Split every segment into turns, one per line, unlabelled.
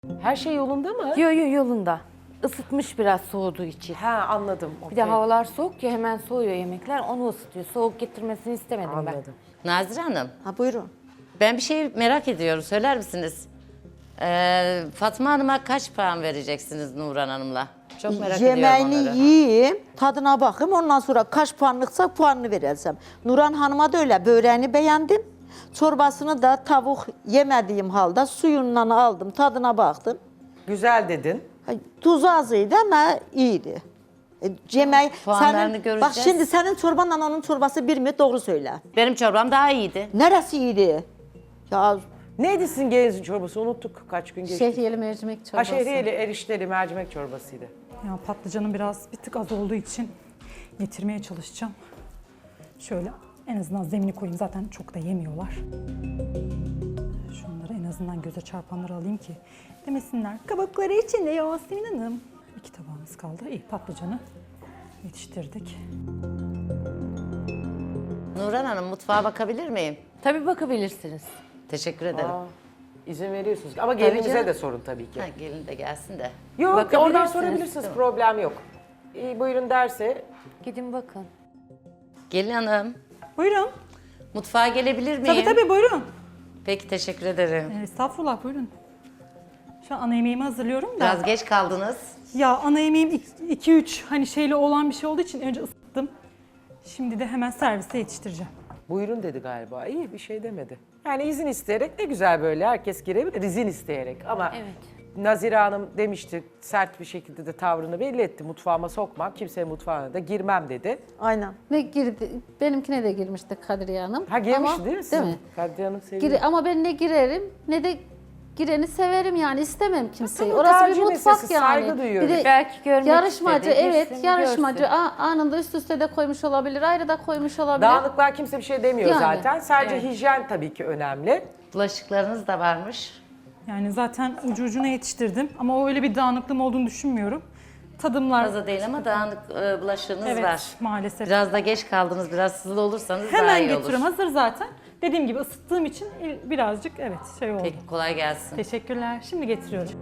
Her şey yolunda mı?
Yolunda. Isıtmış biraz soğuduğu için.
Ha anladım.
Bir de
okey.
havalar soğuk ya hemen soğuyor yemekler. Onu ısıtıyor. Soğuk getirmesini istemedim
Anladım.
Nazire Hanım,
Ha buyurun.
ben bir şey merak ediyorum. Söyler misiniz? Fatma Hanım'a kaç puan vereceksiniz Nurhan Hanım'la? Çok merak ediyorum
Yemeğini
onları.
yiyeyim, tadına bakayım. Ondan sonra kaç puanlıksa puanını vereceğim. Nurhan Hanım'a da öyle böreğini beğendim. Çorbasını da tavuk yemediğim halde suyundan aldım, tadına baktım.
Güzel dedin.
Tuzu azıydı ama iyiydi. Yemeği,
Puanlarını
bak
göreceğiz.
şimdi senin çorbanla onun çorbası bir mi? Doğru söyle.
Benim çorbam daha iyiydi.
Neresi iyiydi? Ya
Neydi sizin gelinizin çorbası? Unuttuk kaç gün geçti.
Şehriyeli mercimek çorbası.
Ha şehriyeli, erişteli, mercimek çorbasıydı.
Ya patlıcanın bir tık az olduğu için getirmeye çalışacağım. Şöyle en azından zemini koyayım, zaten çok da yemiyorlar. Şunları en azından göze çarpanları alayım ki demesinler. Kabukları içinde Yasemin Hanım. 2 tabağımız kaldı. İyi, patlıcanı yetiştirdik.
Nurhan Hanım, mutfağa bakabilir miyim?
Tabii bakabilirsiniz.
Teşekkür ederim.
İzin veriyorsunuz. Ama gelinize
canım.
de sorun tabii ki.
Ha, gelin de gelsin de.
Yok oradan
Bakabilirsiniz.
sorabilirsiniz. Problem yok. İyi buyurun derse.
Gidin bakın.
Gelin Hanım,
Buyurun.
mutfağa gelebilir miyim?
Tabii tabii buyurun.
Peki, teşekkür ederim.
Estağfurullah buyurun. Şu an ana yemeğimi hazırlıyorum da.
Biraz geç kaldınız.
Ya ana yemeğim 2-3 hani şeyle olan bir şey olduğu için önce ısıttım. Şimdi de hemen servise yetiştireceğim.
Buyurun dedi galiba. İyi bir şey demedi. Yani izin isteyerek ne güzel böyle. Herkes girebilir izin isteyerek. Ama
Evet.
Nazire Hanım demişti, sert bir şekilde de tavrını belli etti. Mutfağıma sokmam, kimsenin mutfağına da girmem dedi.
aynen.
Ve girdi, benimkine de girmişti Kadriye Hanım.
Ha girmiş
Ama-
değil mi sizin?
Değil mi?
Kadriye Hanım seviyor.
Ama ben ne girerim ne de gireni severim yani istemem kimseyi.
Tabii,
Orası
tercih
bir mutfak
meselesi,
yani.
saygı duyuyorum.
Bir de
Belki görmek
yarışmacı
istedi,
evet
girsin,
yarışmacı
görsün.
anında üst üste de koymuş olabilir, ayrı da koymuş olabilir.
Dağınıklar kimse bir şey demiyor
Yani,
zaten. Sadece hijyen tabii ki önemli.
Bulaşıklarınız da varmış.
Yani zaten ucu ucuna yetiştirdim ama o öyle bir dağınıklığım olduğunu düşünmüyorum. Tadımlar
Fazla değil ama dağınık bulaşığınız
evet
var.
maalesef.
Biraz da geç kaldınız, biraz hızlı olursanız daha
Hemen
iyi olur.
getiriyorum, hazır zaten. Dediğim gibi ısıttığım için birazcık evet şey oldu.
Peki, kolay gelsin.
Teşekkürler. Şimdi getiriyorum.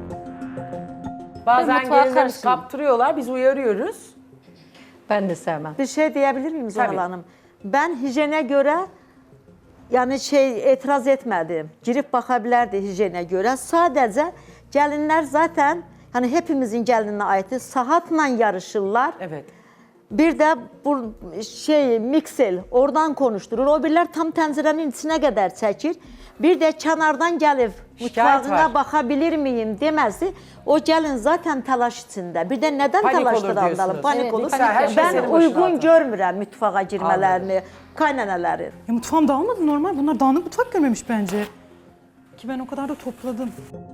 Bazen
mutfağa
gelinlerimiz
karışayım.
kaptırıyorlar, biz uyarıyoruz.
Ben de sevmem.
Bir şey diyebilir miyim Zuhal
Tabii.
Hanım? Ben hijyene göre yani etiraz etmedim. Girip bakabilirdi hijyene göre. Sadece gelinler zaten hani hepimizin gelinine ait saatla yarışırlar.
Evet.
Bir de bu miksel oradan konuşturur. O birler tam tencerenin içine kadar çekir. Bir de kenardan gelip
Şikayet
mutfağına
var.
bakabilir miyim demesi. O gelin zaten telaş içinde. Bir de neden
Panik olur
telaştıranlar?
diyorsunuz.
Panik
Evet,
olur.
panik her şey
Ben
senin başına
uygun
atın.
görmürəm mutfağa girmelerini, kaynanaları.
Ya mutfağım dağılmadı normal. Bunlar dağınık mutfak görmemiş bence. Ki ben o kadar da topladım.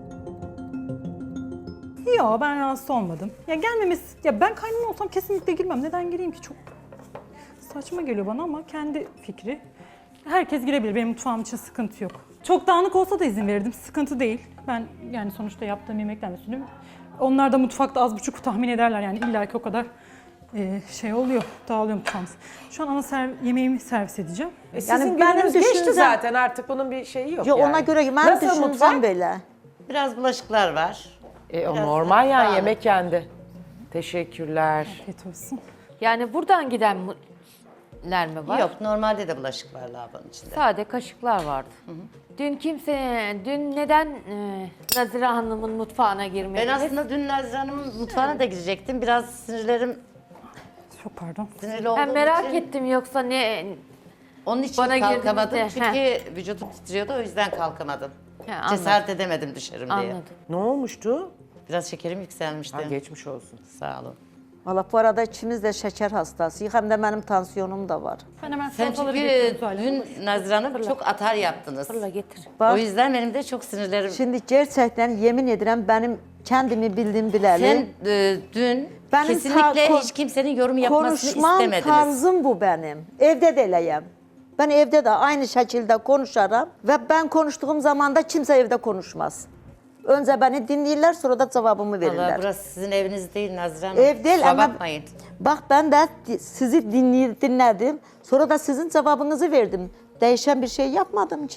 Yok ben rahatsız olmadım. Ya gelmemesi, ya ben kaynana olsam kesinlikle girmem. Neden gireyim ki? Çok saçma geliyor bana ama kendi fikri. Herkes girebilir. Benim mutfağım için sıkıntı yok. Çok dağınık olsa da izin verirdim. Sıkıntı değil. Ben yani sonuçta yaptığım yemeklerle sürdüm. Onlar da mutfakta az buçuk tahmin ederler yani illaki o kadar şey oluyor, dağılıyor mutfağımız. Şu an yemeğimi servis edeceğim.
Sizin
Yani benim
gününüz geçti
düşüncem-
zaten artık bunun bir şeyi yok
Yo,
yani.
ona göre ben
Nasıl
düşüncem
mutfak?
böyle.
Biraz bulaşıklar var.
O
Biraz
normal yani
dağınık.
yemek yendi. Teşekkürler.
Afiyet olsun.
Yani buradan gidenler mi var?
Yok, normalde de bulaşık var lavabonun içinde.
Sade kaşıklar vardı. Dün neden Nazire Hanım'ın mutfağına
Ben
girmediniz?
aslında dün Nazire Hanım'ın mutfağına da girecektim. Biraz sinirlerim
Çok pardon.
sinirli olduğum
Ben merak
için
ettim yoksa ne...
onun için
Bana
kalkamadım.
girdiğinizde,
Çünkü vücudum titriyordu, o yüzden kalkamadım.
anladım.
Cesaret edemedim düşerim diye.
Anladım.
Ne olmuştu?
Biraz şekerim yükselmişti.
Ha, geçmiş olsun.
Sağ olun.
Valla bu arada ikimiz de şeker hastasıyız. Hem de benim tansiyonum da var.
Ben hemen
Sen
salataları
çünkü
getiriyorum Zuhal Hanım.
dün Nazire Hanım çok atar yaptınız.
Fırla getir.
Bak,
O yüzden benim de çok sinirlerim...
şimdi gerçekten yemin ederim benim kendimi bildim bileli.
Sen dün
Benim
kesinlikle hiç kimsenin yorum yapmasını
konuşmam
istemediniz.
tarzım bu benim. Evde de eləyəm. Ben evde de aynı şekilde konuşarım ve ben konuştuğum zaman da kimse evde konuşmaz. Önce beni dinleyirler, sonra da cevabımı verirler.
Vallahi burası sizin eviniz değil Nazire Hanım.
Ev değil
Kusura
ama
bakmayın.
bak ben de sizi dinledim. Sonra da sizin cevabınızı verdim. Değişen bir şey yapmadım ki.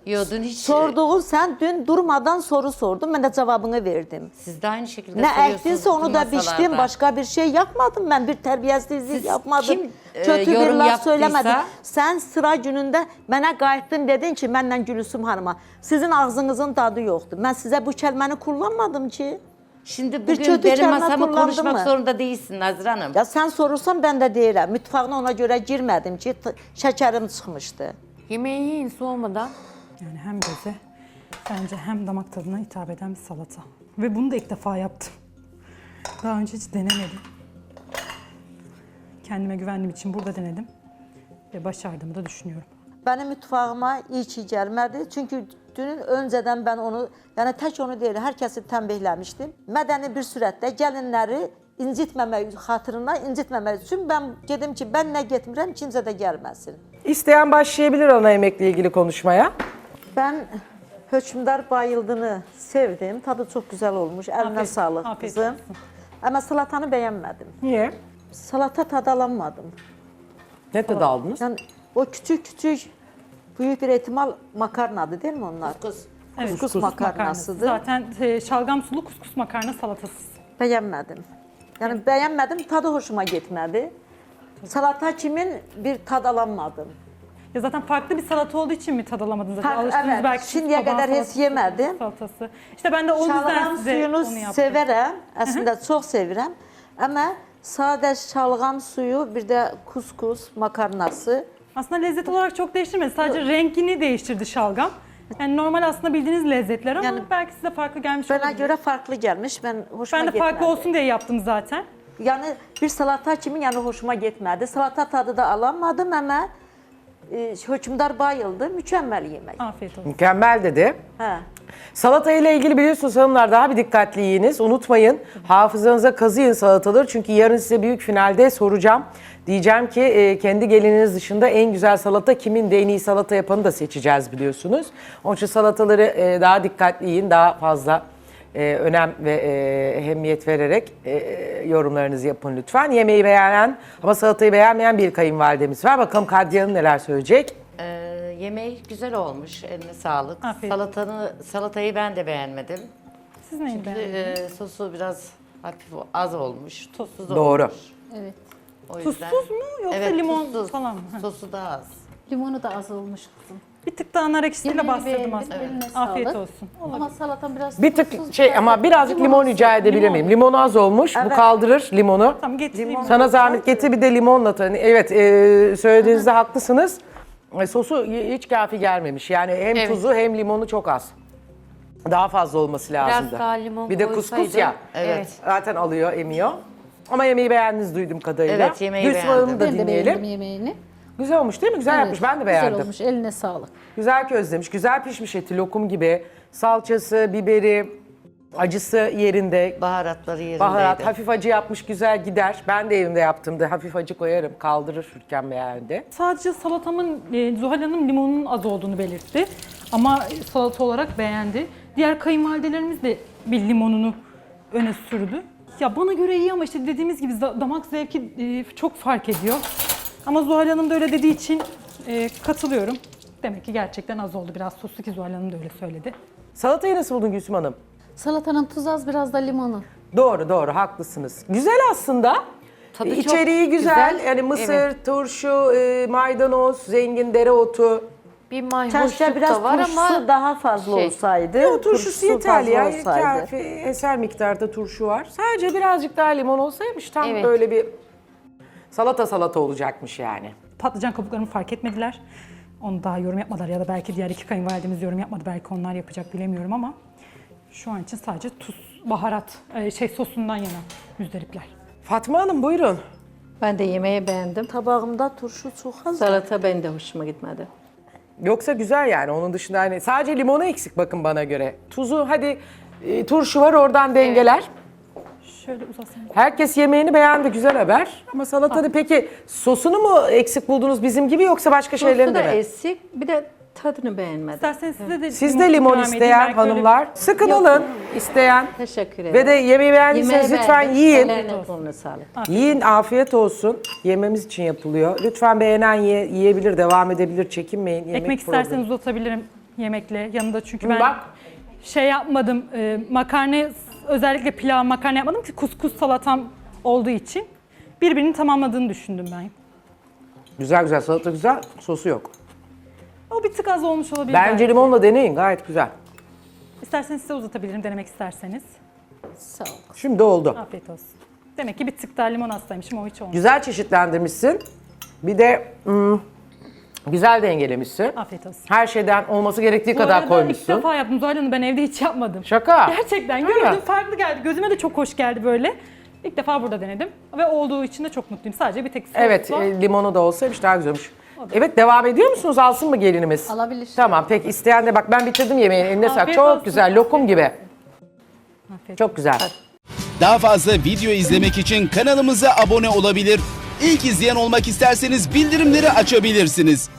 Yo, dün hiç...
Sorduğun sen dün durmadan soru sordun. Ben de cevabını verdim.
Siz de aynı şekilde
Ne
soruyorsunuz
ektinse onu
bütün
da
masalarda.
biçtim. Başka bir şey yapmadım. Ben bir terbiyesizlik
Siz
yapmadım.
kim,
Kötü bir
yorum
laf
yaptıysa-
söylemedim. Sen sıra günündə mənə qayıtdın dedin ki, məndən Gülsüm hanıma. Sizin ağzınızın tadı yoktu. Ben size bu kelimeni kullanmadım ki.
Şimdi
Bir
bugün
kötü
benim
kelime
masamı
kullandın
konuşmak
mı?
zorunda değilsin Nazire Hanım.
Ya sen sorursan ben de deyirəm. Mutfağına ona göre girmedim ki şekerim çıkmıştı.
Yemeği yiyin soğumadan.
Yani hem göze bence hem damak tadına hitap eden bir salata. Ve bunu da ilk defa yaptım. Daha önce hiç denemedim. Kendime güvendiğim için burada denedim. Ve başardığımı da düşünüyorum.
Benim mutfağıma iyi ki gəlmədi. Çünkü dünün önceden ben onu, yani tek onu değil, herkesi tembihlemiştim. Mədəni bir sürətdə gəlinləri incitməmək xatırına, incitməmək üçün ben dedim ki, ben ne getmirəm, kimsə də gəlməsin.
İsteyen başlayabilir ana yemekle ilgili konuşmaya.
Ben hökmdar bayıldığını sevdim. Tadı çok güzel olmuş. Eline
Afiyet-
sağlık
afiyet
kızım.
olsun.
Ama salatanı beğenmedim.
Niye?
Salata tadı alamadım.
Ne tadı aldınız?
Yani o küçük büyük bir ihtimal makarnadı değil mi onlar?
Evet,
Kuskus makarnasıdır.
Zaten şalgam sulu kuskus makarna salatası.
Beğenmedim. Yani beğenmedim, tadı hoşuma gitmedi. Salata kimin bir tad alamadım.
Ya zaten farklı bir salata olduğu için mi tad alamadınız? Zaten alıştınız
Evet,
belki
şimdiye
çoban
kadar hiç
salatası,
yemedim.
Salatası. İşte ben de o yüzden
Şalgam
size
suyunu
onu yaptım.
severəm, əslində çox sevirəm. Amma sadə şalgam suyu, bir də kuskus makarnası.
Aslında lezzet olarak çok değiştirmedi. Sadece rengini değiştirdi şalgam. Yani normal aslında bildiğiniz lezzetler ama
Yani
belki size farklı gelmiş
Bana
olabilir.
göre farklı gelmiş, ben hoşuma
Ben de
gitmedi.
farklı olsun diye yaptım zaten.
Yani bir salata kimi yani hoşuma gitmedi. Salata tadı da alamadım ama hökmdar bayıldı. Mükemmel yemek.
Afiyet olsun.
Mükemmel dedi.
Ha.
Salata ile ilgili biliyorsunuz hanımlar daha bir dikkatli yiyiniz. Unutmayın hafızanıza kazıyın salataları. Çünkü yarın size büyük finalde soracağım. Diyeceğim ki kendi gelininiz dışında en güzel salata kimin de en iyi salata yapanı da seçeceğiz biliyorsunuz. Onun için salataları daha dikkatli yiyin. Daha fazla önem ve ehemmiyet vererek yorumlarınızı yapın lütfen. Yemeği beğenen ama salatayı beğenmeyen bir kayınvalidemiz var. Bakalım Kadriye Hanım neler söyleyecek.
Yemeği güzel olmuş, eline sağlık.
Afiyet.
Salatayı ben de beğenmedim.
Siz neyi beğendiniz?
Sosu biraz hafif az olmuş, tuzsuz
Doğru.
olmuş.
Evet.
O yüzden.
Tuzsuz mu yoksa
Evet,
limon
tuzsuz.
falan mı? Ha.
Sosu da az.
Limonu da az olmuş kızım.
Bir tık daha nar ekşisiyle
Yemeğini
bastırdım
beğendim,
aslında.
eline
Afiyet
sağlık.
olsun.
Ama salatan biraz
Bir tık
tuzsuz,
ama birazcık limon rica edebilir
Limon.
miyim? Limonu az olmuş. Bu kaldırır limonu.
Tamam getireyim.
Sana zahmet getir bir de limonla tanı. Evet söylediğinizde haklısınız. Sosu hiç kafi gelmemiş. Yani hem
Evet.
tuzu hem limonu çok az. Daha fazla olması lazımdı.
daha limon
bir de kuskus
koysaydı.
ya.
Evet.
Zaten alıyor, emiyor. Ama yemeği beğendiniz duydum kadarıyla.
Evet, yemeği
Gülsüm
beğendim.
Hanım'ı da
Ben de beğendim
dinleyelim.
yemeğini.
Güzel olmuş değil mi? Güzel yapmış. Ben de beğendim.
Güzel olmuş, eline sağlık.
Güzel közlemiş, güzel pişmiş eti lokum gibi. Salçası, biberi, acısı yerinde.
Baharatları yerindeydi.
Baharat, hafif acı yapmış, güzel gider. Ben de evimde yaptığımda hafif acı koyarım, kaldırır Türkan beğendi.
Sadece salatamın Zuhal Hanım limonun az olduğunu belirtti. Ama salata olarak beğendi. Diğer kayınvalidelerimiz de bir limonunu öne sürdü. Ya bana göre iyi ama işte dediğimiz gibi damak zevki çok fark ediyor. Ama Zuhal Hanım da öyle dediği için katılıyorum. Demek ki gerçekten az oldu biraz soslu ki Zuhal Hanım da öyle söyledi.
Salatayı nasıl buldun Gülsüm Hanım?
Salatanın tuzu az, biraz da limonu.
Doğru, haklısınız. Güzel aslında.
Tadı çok
İçeriği güzel.
güzel.
Yani mısır,
Evet.
turşu, maydanoz, zengin dereotu.
Bir
Keşke
mayhoşluk
biraz
da var
turşusu
ama
daha fazla
şey,
olsaydı.
O turşusu yeterli ya.
fazla olsaydı.
Kafi, eser miktarda turşu var. Sadece birazcık daha limon olsaymış tam
Evet.
böyle bir salata olacakmış yani.
Patlıcan kabuklarını fark etmediler. Onu daha yorum yapmadılar ya da belki diğer iki kayınvalidemiz yorum yapmadı. Belki onlar yapacak bilemiyorum ama şu an için sadece tuz, baharat, sosundan yana müzdaripler.
Fatma Hanım buyurun.
Ben de yemeği beğendim.
Tabağımda turşu çok az.
Salata benim de hoşuma gitmedi.
Yoksa güzel yani onun dışında hani sadece limonu eksik bakın bana göre. Tuzu hadi turşu var oradan dengeler.
Şöyle uzasın.
Herkes yemeğini beğendi güzel haber. Ama salatada peki sosunu mu eksik buldunuz bizim gibi yoksa başka
Sosu
şeylerini
da
de mi?
eksik, bir de tadını beğenmedim.
İsterseniz size de
Siz de limon
ikram edeyim.
isteyen
Belki öyle-
hanımlar sıkın alın isteyen.
Teşekkür ederim.
Ve de yemeği beğendiyseniz
Yemeği
lütfen
beğendim.
yiyin.
Ellerine koluna sağlık.
Yiyin afiyet olsun. Yememiz için yapılıyor. Lütfen beğenen yiyebilir, devam edebilir, çekinmeyin. Yemek
Ekmek
programı.
isterseniz uzatabilirim. yemekle yanında çünkü ben
Bak.
şey yapmadım. Makarna, özellikle pilav makarna yapmadım ki kuskus salatam olduğu için birbirini tamamladığını düşündüm ben.
Güzel güzel salata güzel. Sosu yok.
O bir tık az olmuş olabilir.
Bence
belki.
limonla deneyin gayet güzel.
İsterseniz size uzatabilirim denemek isterseniz.
Sağ ol.
Şimdi oldu.
Afiyet olsun. Demek ki bir tık daha limon hastaymışım, o hiç olmadı.
Güzel çeşitlendirmişsin. Bir de güzel dengelemişsin.
Afiyet olsun.
Her şeyden olması gerektiği
Bu
kadar
arada ilk
koymuşsun.
defa yaptım Zuhal Hanım, ben evde hiç yapmadım.
Şaka.
Gerçekten
Öyle
gördüm,
mi?
farklı geldi. Gözüme de çok hoş geldi böyle. İlk defa burada denedim ve olduğu için de çok mutluyum. Sadece bir tek sos
Evet,
var.
limonu da olsaymış daha güzelmiş. Evet, devam ediyor musunuz? Alsın mı gelinimiz?
Alabilir.
Tamam, peki isteyen de bak ben bitirdim yemeğini. Eline sağlık.
Afiyet
Çok
olsun.
güzel, lokum gibi.
Afiyet.
Çok güzel.
Daha fazla video izlemek için kanalımıza abone olabilir. İlk izleyen olmak isterseniz bildirimleri açabilirsiniz.